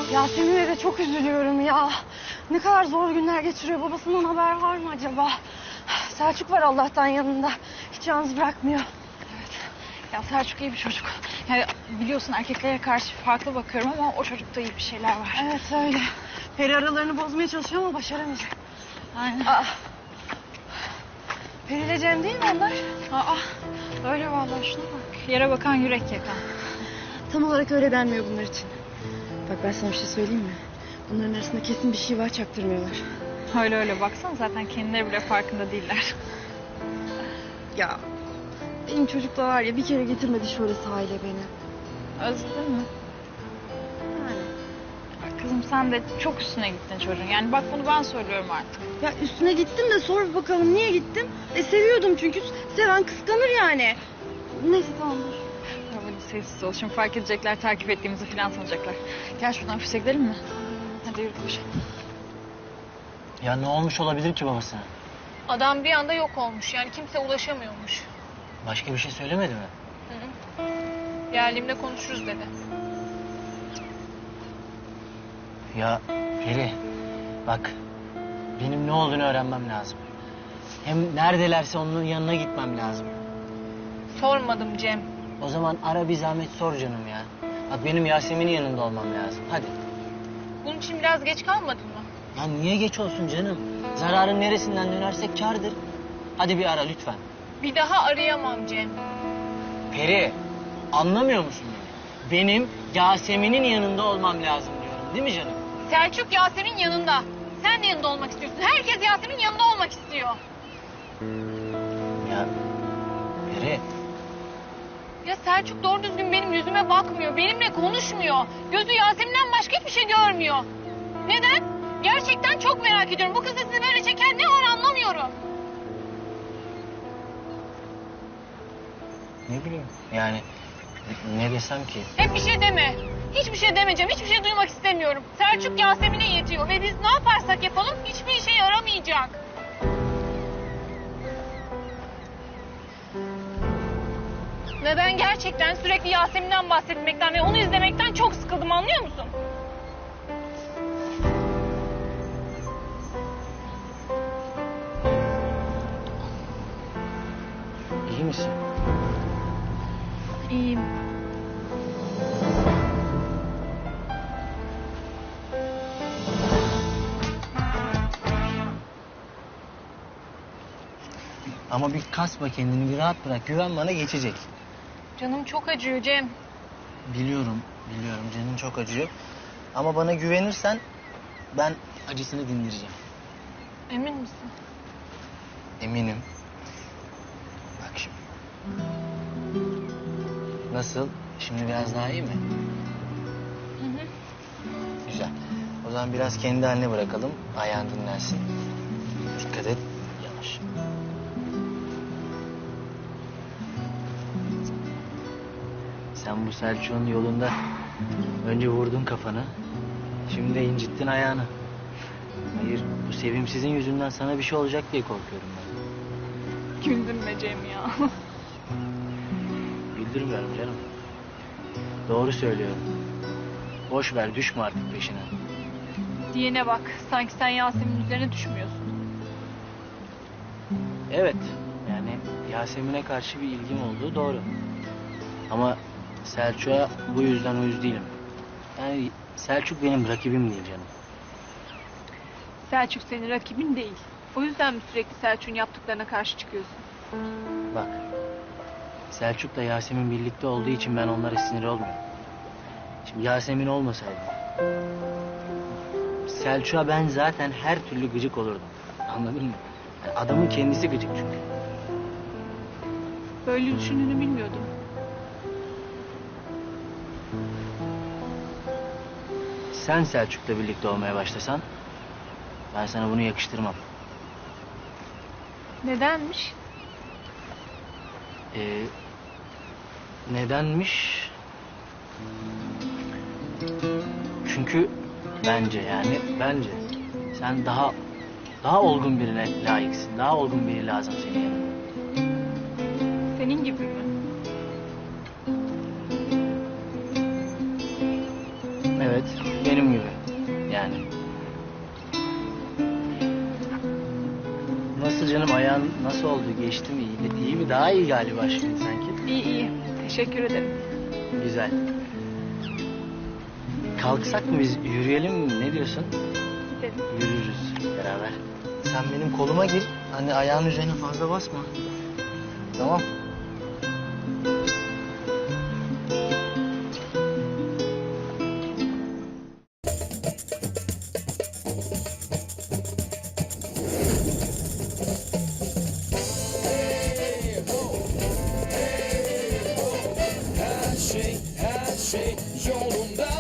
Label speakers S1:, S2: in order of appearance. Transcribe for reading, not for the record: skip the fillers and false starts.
S1: Yasemin'e de çok üzülüyorum ya. Ne kadar zor günler geçiriyor. Babasından haber var mı acaba? Selçuk var Allah'tan yanında. Hiç yalnız bırakmıyor.
S2: Ya Selçuk iyi bir çocuk. Yani biliyorsun erkeklere karşı farklı bakıyorum ama o çocukta iyi bir şeyler var.
S1: Evet öyle. Peri aralarını bozmaya çalışıyor ama başaramayacak.
S2: Aynen.
S1: Peri ile Cem değil mi onlar?
S2: Öyle vallahi şuna bak. Yere bakan yürek yakan.
S1: Tam olarak öyle denmiyor bunlar için. Bak ben sana bir şey söyleyeyim mi? Bunların arasında kesin bir şey var, çaktırmıyorlar.
S2: Öyle baksana zaten kendileri bile farkında değiller.
S1: Ya benim çocuk da var ya, bir kere getirmedi şöyle sahile beni.
S2: Özledin mi?
S1: Yani.
S2: Bak kızım sen de çok üstüne gittin çocuğun. Yani bak bunu ben söylüyorum artık.
S1: Ya üstüne gittim de sor bakalım niye gittim? Seviyordum çünkü. Seven kıskanır yani. Neyse tamam dur.
S2: Hadi sessiz ol. Şimdi fark edecekler, takip ettiğimizi falan sanacaklar. Gel şuradan ofise gidelim mi? Hadi yürü koş.
S3: Ya ne olmuş olabilir ki babasına?
S4: Adam bir anda yok olmuş. Yani kimse ulaşamıyormuş.
S3: Başka bir şey söylemedi mi?
S4: Geldiğimde konuşuruz dedi.
S3: Ya Peri, bak benim ne olduğunu öğrenmem lazım. Hem neredelerse onun yanına gitmem lazım.
S4: Sormadım Cem.
S3: O zaman ara bir zahmet sor canım ya. Bak benim Yasemin'in yanında olmam lazım. Hadi.
S4: Bunun için biraz geç kalmadın mı?
S3: Ya niye geç olsun canım? Zararın neresinden dönersek kârdır. Hadi bir ara lütfen.
S4: Bir daha arayamam Cem.
S3: Peri, anlamıyor musun beni? Benim Yasemin'in yanında olmam lazım diyorum. Değil mi canım?
S4: Selçuk Yasemin yanında. Sen de yanında olmak istiyorsun. Herkes Yasemin yanında olmak istiyor.
S3: Ya Peri,
S4: Ya Selçuk doğru düzgün benim yüzüme bakmıyor. Benimle konuşmuyor. Gözü Yasemin'den başka hiçbir şey görmüyor. Neden? Gerçekten çok merak ediyorum. Bu kızı sizi böyle çeken ne var anlamıyorum.
S3: ne bileyim yani ne desem ki?
S4: Hep bir şey deme. Hiçbir şey demeyeceğim. Hiçbir şey duymak istemiyorum. Selçuk Yasemin'e yetiyor ve biz ne yaparsak yapalım hiçbir işe yaramayacak. Ve ben gerçekten sürekli Yasemin'den bahsetmekten ve onu izlemekten çok sıkıldım, anlıyor musun?
S3: İyi misin?
S2: İyiyim.
S3: Ama bir kasma kendini, bir rahat bırak. Güven bana, geçecek.
S4: Canım çok acıyor Cem.
S3: Biliyorum canın çok acıyor. Ama bana güvenirsen ben acısını dindireceğim.
S4: Emin misin?
S3: Eminim. Bak şimdi. Nasıl? Şimdi biraz daha iyi mi? Güzel. O zaman biraz kendi haline bırakalım. Ayağın dinlensin. Dikkat et. Yavaş. Sen bu Selçuk'un yolunda önce vurdun kafanı. Şimdi de incittin ayağını. Hayır, bu sevimsizin yüzünden sana bir şey olacak diye korkuyorum ben.
S2: Güldürme Cem ya.
S3: Güldürmüyorum canım. Doğru söylüyorum. Boş ver, düşme artık peşine.
S2: Diyene bak. Sanki sen Yasemin'in üzerine düşmüyorsun.
S3: Evet, yani Yasemin'e karşı bir ilgim olduğu doğru. Ama Selçuk'a bu yüzden uyuz değilim. Yani Selçuk benim rakibim değil canım.
S2: Selçuk senin rakibin değil. O yüzden mi sürekli Selçuk'un yaptıklarına karşı çıkıyorsun?
S3: Bak, Selçuk'la Yasemin birlikte olduğu için ben onlara sinir olmuyorum. Şimdi Yasemin olmasaydı Selçuk'a ben zaten her türlü gıcık olurdum. Anladın mı? Yani adamın kendisi gıcık çünkü.
S2: Böyle düşündüğünü bilmiyordum.
S3: Sen Selçuk'la birlikte olmaya başlasan ben sana bunu yakıştırmam.
S2: Nedenmiş?
S3: Nedenmiş? Çünkü bence sen daha olgun birine layıksın. Daha olgun biri lazım senin yanında.
S2: Senin gibi mi?
S3: Evet. Benim gibi. Yani. Nasıl canım, ayağın nasıl oldu? Geçti mi? İyi mi? Daha iyi galiba şimdi sanki.
S2: İyi iyi. Teşekkür ederim.
S3: Güzel. Kalksak mı biz, yürüyelim mi? Ne diyorsun?
S2: Gidelim.
S3: Yürürüz beraber. Sen benim koluma gir. Hani ayağın üzerine fazla basma. Tamam.
S5: Her şey yolunda.